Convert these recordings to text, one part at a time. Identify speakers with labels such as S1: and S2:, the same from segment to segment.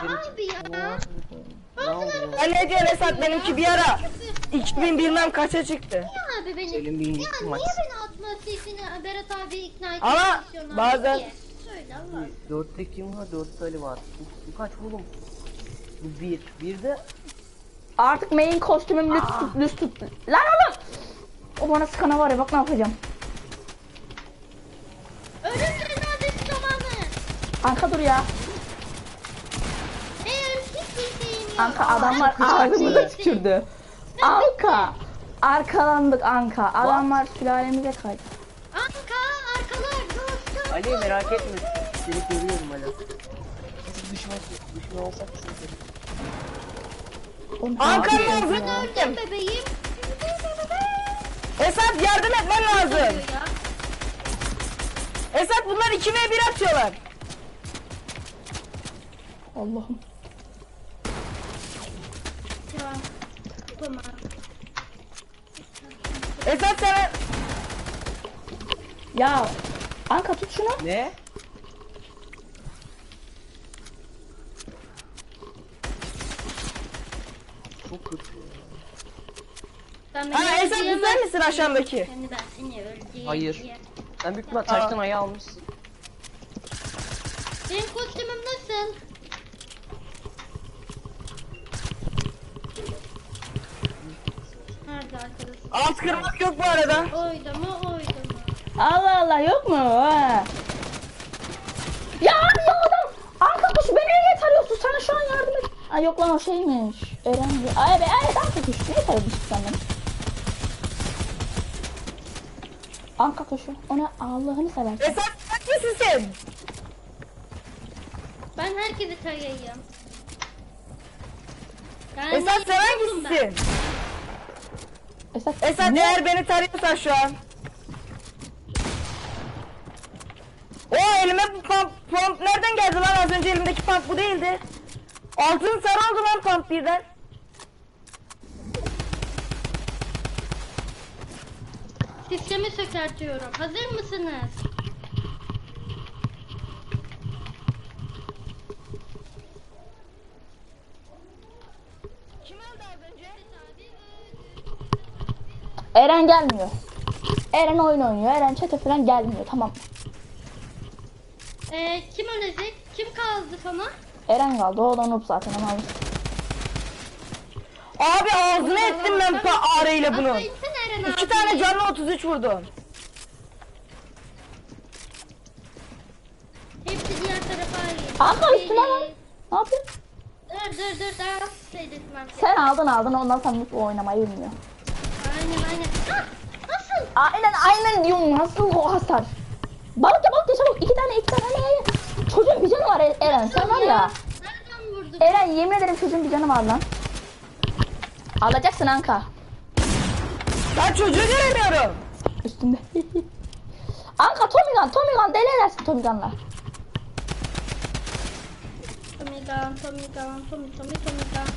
S1: abi ya.
S2: Ben ne diyorsun Esat, benimki bir ara 2000 bilmem kaça çıktı.
S1: Ya abi beni.
S3: Senin bir
S1: Ya
S3: ilgisi
S1: niye
S3: maç.
S1: beni atması için Berat abi ikna etmek
S2: Ama
S1: istiyorsun abi?
S2: bazen-
S1: Niye? Söyle Allah.
S3: 4'te kim var? 4'te Ali var. Bu kaç oğlum? Bu 1. Bir de
S4: Artık main kostümüm düz tut. Lan oğlum! O bana sıkana var ya, bak ne yapacağım.
S1: Ölüm cenazesi zamanı.
S4: Anka dur ya.
S1: Hiçbir şeyim yok.
S4: Anka adamlar ağzımıza tükürdü. Anka. Arkalandık Anka. Adamlar sülalemize kaydı.
S1: Anka arkalar dostum.
S3: Ali merak etme. Seni görüyorum Ali. Biz düşman olsak sıkıntı.
S2: Ankara'ya
S1: Ben
S2: yazın.
S1: öldüm bebeğim.
S2: Esat yardım etmen lazım.
S1: Ya.
S2: Esat bunlar 2v1 atıyorlar.
S4: Allah'ım.
S1: Ya. Tamam.
S2: Esat sana
S4: Ya Anka tut şunu.
S3: Ne? Çok kötü.
S1: Sen beni
S2: ha Esat
S1: öldüremezsin.
S2: güzel misin aşağıdaki?
S1: Seni ben seni öldüreyim
S3: Hayır.
S1: diye.
S3: Sen büyük ihtimal taştan ayağı almışsın.
S1: Benim kostümüm nasıl? Nerede arkadaşım?
S2: Alt kırmak yok bu arada.
S1: Oydu mu oydu mu?
S4: Allah Allah, yok mu? Ha. Ya abi ya adam. Anka kuş beni niye tarıyorsun? Sana şu an yardım et. Ay yok lan, o şeymiş. Öğrenci. Ay be ay Anka kuş. Niye tarıyorsun senden? Anka kuşu. Ona Allah'ını seversen.
S2: Esat kaç mısın sen?
S1: Ben herkesi tarayayım.
S2: Esat sen hangisisin?
S4: Esat.
S2: Esat eğer beni tarıyorsan şu an. O elime bu pump nereden geldi lan, az önce elimdeki pump bu değildi. Altın sarı oldu lan pump birden.
S1: Sistemi sökertiyorum. Hazır mısınız?
S2: Kim öldü az önce?
S4: Eren gelmiyor. Eren oyun oynuyor. Eren çete falan gelmiyor. Tamam.
S1: Kim ölecek? Kim kaldı sana?
S4: Eren kaldı. O da noob zaten. Ama
S2: Abi ağzına ettim ben ağrıyla bunu.
S1: Atla insene Eren abi.
S2: 2 tane canlı 33 vurdum.
S1: Hepsi diğer tarafa ayrı.
S4: Anka üstüne lan. Ne yapıyorsun?
S1: Dur daha seyretmem ben.
S4: Sen aldın ondan sonra noob oynamayı bilmiyor.
S1: Aynen. Ah, nasıl?
S4: Aynen diyorum, nasıl o hasar. Balık ya çabuk, iki tane. Çocuğun bir canı var Eren, sen var ya.
S1: Nereden vurdun?
S4: Eren yemin ederim çocuğun bir canı var lan. Alacaksın Anka.
S2: Ben çocuğu göremiyorum.
S4: Üstünde. Anka Tommy Gun deli edersin Tommy Gun'la.
S1: Tommy Gun.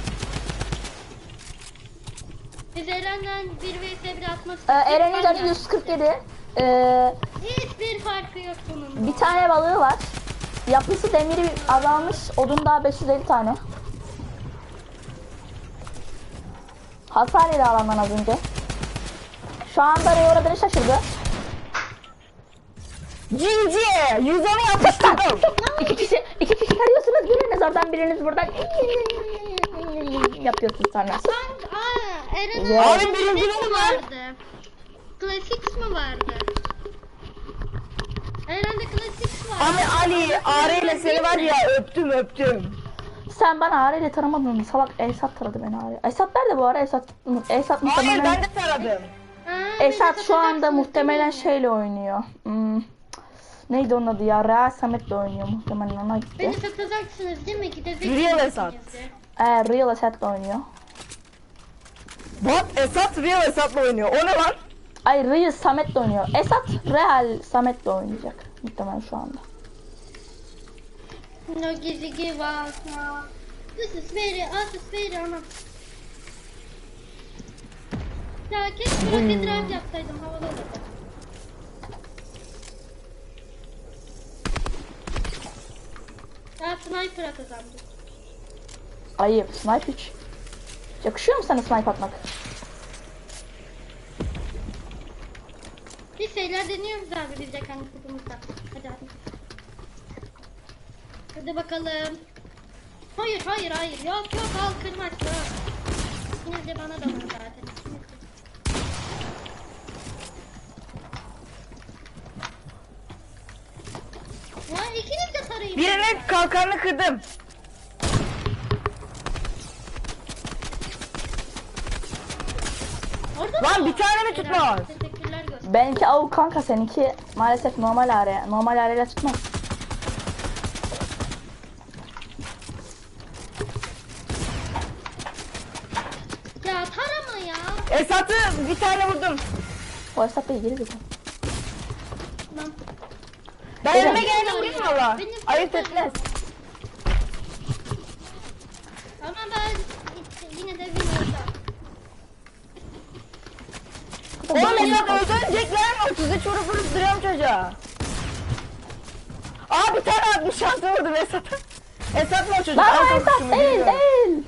S1: Biz Eren'den 1 vs 1 atmak istedik.
S4: Eren'in canı 147.
S1: Hiçbir farkı yok bunun.
S4: Bir tane balığı var. Yapısı demiri azalmış. Odun daha 550 tane. Hasar yedi alandan az önce. Şu anda Ray uğradığını şaşırdı.
S2: GG 110'u yapıştırdım.
S4: İki kişi tarıyorsunuz. Biriniz oradan, biriniz buradan. Yapıyorsunuz sonra.
S1: Eren'in
S2: Abim birinci mi var?
S1: vardı? Classics mi vardı? Eren'de Classics var.
S2: Abi Ali ağrıyla seni var ya öptüm.
S4: Sen bana Ağrı ile taramadın. Salak Esat taradı beni Ağrı. Esat nerede bu ara? Esat
S2: Hayır
S4: muhtemelen...
S2: ben de taradım.
S4: Esat şu anda muhtemelen şeyle oynuyor. Neydi onun adı ya? Real Samet'le oynuyor muhtemelen, ona gitti.
S1: Beni satacaksınız değil mi? Gideceksiniz.
S2: Real Esat.
S4: Real Esat'le oynuyor.
S2: Bak Esat Real Esat'la oynuyor. O ne lan?
S4: Ay Real Samet'le oynuyor. Esat Real Samet'le oynayacak muhtemelen şu anda.
S1: No give up now. This is very ana. Ya keşke rocket drive yapsaydım, havalı olurdu. Ya sniper atacağım.
S4: Ayıp. Snipe 3. Yakışıyor mu sana snipe atmak?
S1: Bir şeyler deniyoruz abi biz de kendi kutumuzda. Hadi hadi. Hadi bakalım. Hayır hayır hayır. Yok yok al kırmak yok. İkiniz de bana dalın zaten. Ya ikiniz de tarayın.
S2: Birinin kalkanını kırdım.
S1: Orada
S2: Lan
S1: mı?
S2: bir tane mi tutmaz?
S1: Teşekkürler göster.
S4: Benimki avuk kanka, seninki maalesef normal araya. Normal arayla tutmaz.
S1: Ya tarama ya.
S2: Esat'ı bir tane vurdum.
S4: O hesap değil, geri zekalı.
S1: Lan.
S2: Ben
S4: Evet.
S2: önüme geldim vurayım valla.
S1: Benim-
S2: Ayıp etmez.
S1: Ama ben yine de bilmiyorum.
S2: Oğlum Esat öldürecek lan. 33 vurup duruyorum çocuğa. Aa bir tane 66 vurdum Esat'a. Esat mı o çocuk?
S4: Lan
S2: Ay,
S4: o hesap
S2: korkuşumu
S4: değil
S2: bilmiyorum.
S4: değil.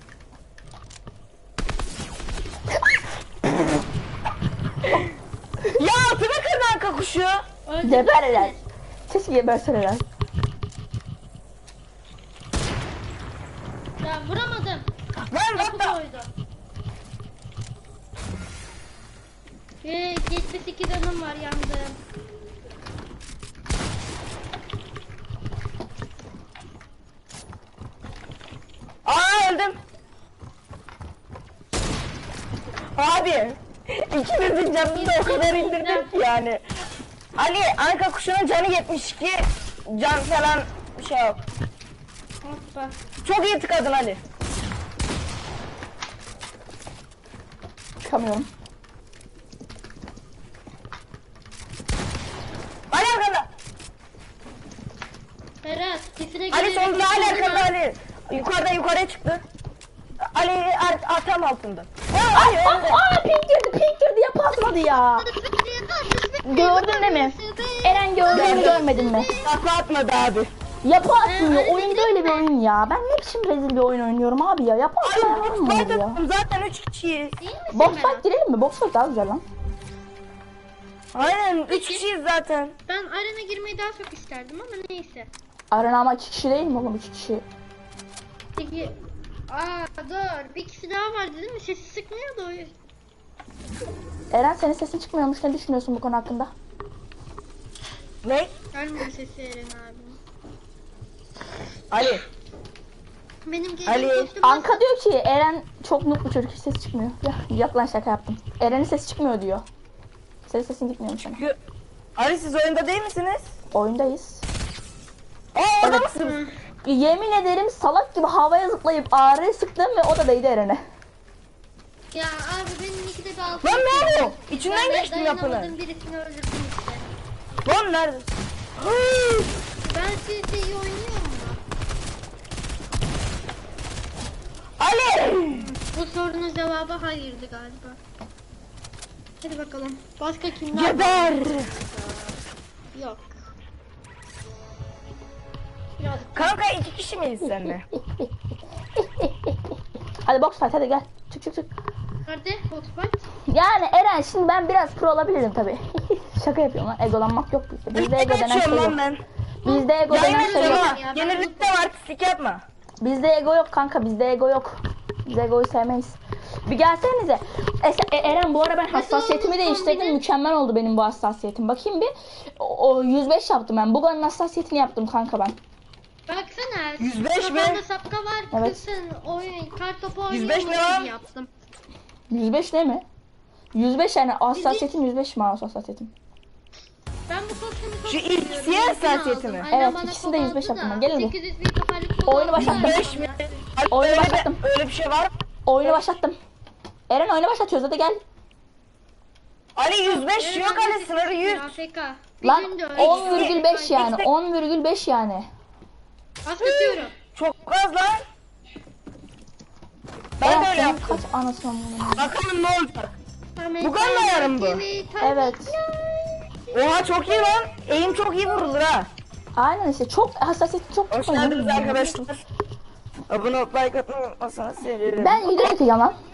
S2: Ya altıma kırdı arka kuşu.
S4: Geberler. Keşke geberseler.
S1: Ya vuramadım.
S2: Lan
S1: Kapı
S2: bak da.
S1: koydu. 78 canım var yandım.
S2: Aa öldüm. Abi. İkimizin canını da o kadar indirdim ki yani. Ali arka kuşunun canı 72. Can falan bir şey yok.
S1: Hoppa.
S2: Çok iyi tıkadın Ali.
S4: Çıkamıyorum.
S2: Ali arkada.
S1: Berat sesine
S2: Ali
S1: girerek
S2: sonunda Ali
S1: çıktın
S2: arkada
S1: ha.
S2: Ali. Yukarıya çıktı. Ali tam altında. Aa, Ali öldü.
S4: Aa pink girdi yapı atmadı ya. Gördün değil mi? Eren gördün mü görmedin mi?
S2: Takla atmadı abi.
S4: Yapı atmıyor. Oyun böyle bir oyun ya. Ben ne biçim rezil bir oyun oynuyorum abi ya. Yapı atmıyor mu
S2: Ben
S4: ya?
S2: zaten 3 kişiyiz.
S1: Değil misin
S4: Box
S1: Berat?
S4: fight girelim mi? Box fight daha güzel lan.
S2: Aynen 3 kişiyiz zaten.
S1: Ben arena girmeyi daha çok isterdim ama neyse.
S4: Arena ama 2 kişi değil mi oğlum? 3 kişi.
S1: Peki. Dur. Bir kişi daha vardı değil mi? Sesi sıkmıyordu o.
S4: Eren senin sesin çıkmıyormuş. Ne düşünüyorsun bu konu hakkında?
S2: Ne?
S1: Gelmiyor sesi Eren abi.
S2: Ali.
S1: Benim
S2: Ali.
S1: gelin kostüm
S4: Anka diyor ki Eren çok mutlu çocuk, hiç ses çıkmıyor. Ya yap lan, şaka yaptım. Eren'in sesi çıkmıyor diyor. Senin sesin gitmiyormuş sana.
S2: Ali siz oyunda değil misiniz?
S4: Oyundayız.
S2: Aa orada
S4: Evet.
S2: mısınız?
S4: Yemin ederim salak gibi havaya zıplayıp ağrıya sıktım ve o da değdi Eren'e.
S1: Ya abi benim ikide bir altı.
S2: Lan ne oluyor? İçinden
S1: Ben de
S2: geçtim yapını.
S1: dayanamadım, birisini öldürdüm işte.
S2: Lan nerede? Hıı!
S1: Ben sizce iyi oynuyor mu?
S2: Ali!
S1: Bu sorunun cevabı hayırdı galiba. Hadi bakalım. Başka kimler var?
S2: Geber!
S1: Yok. Biraz
S2: Kanka 2 kişi miyiz seninle?
S4: Hadi box fight, hadi gel. Çık.
S1: nerede? Hotspot.
S4: Yani Eren, şimdi ben biraz pro olabilirim tabi. Şaka yapıyorum lan, egolanmak yok bizde. Bizde ego denen şey
S2: Geçiyorum
S4: yok.
S2: lan ben.
S4: Bizde ego denen
S2: Yayın
S4: şey
S2: açıyorum
S4: yok.
S2: ha.
S1: Ya, ben
S2: Yenilikte var pislik yapma.
S4: Bizde ego yok kanka, bizde ego yok. Biz egoyu sevmeyiz. Bir gelsenize. Eren, bu ara ben hassasiyetimi değiştirdim. Mükemmel oldu benim bu hassasiyetim. Bakayım bir. O 105 yaptım ben. Buga'nın hassasiyetini yaptım kanka ben.
S1: Baksana.
S2: 105 mi?
S1: Kafanda sapka var.
S4: Evet.
S1: Kızsın. Oyun. Kartopu
S2: 105
S1: oynuyormuş
S2: ne lan?
S1: gibi yaptım.
S4: 105 ne mi? 105 yani hassasiyetim 105 mouse hassasiyetim.
S1: Ben bu kostümü çok
S2: Şu ilk
S1: seviyorum.
S2: siyah
S1: İlkini
S2: hassasiyeti
S1: aldım.
S2: mi?
S1: Annem
S4: Evet,
S1: bana
S4: ikisini de
S1: kol
S4: 105
S1: aldı
S4: yaptım
S1: da,
S4: ben. Gelin bir.
S1: 800 bir kafalık kol
S4: Oyunu
S1: aldı.
S4: başlattım.
S2: 105 mi? Ali,
S4: Oyunu
S2: öyle
S4: başlattım.
S2: öyle bir şey var mı?
S4: Oyunu başlattım. Eren oyunu başlatıyoruz, hadi gel.
S2: Ali 105 yok Ali sınırı 100.
S1: AFK.
S4: Lan
S1: Bizim de öyle.
S4: 10,5 yani. 10,5 yani.
S1: Başlatıyorum.
S2: Çok az lan. Ben
S4: Eren
S2: de öyle
S4: senin
S2: yaptım.
S4: kaç anasını bunu.
S2: Bakalım ne olacak.
S1: Ahmet
S2: Bu kadar ayarım bu.
S1: gibi
S4: Evet.
S2: Oha çok iyi lan. Eğim çok iyi vurulur ha.
S4: Aynen işte, çok hassasiyeti çok
S2: Hoş
S4: çok
S2: geldiniz
S4: oynuyorum.
S2: arkadaşlar. Abone olup like atmayı unutmasanız sevinirim.
S4: Ben video atacağım lan.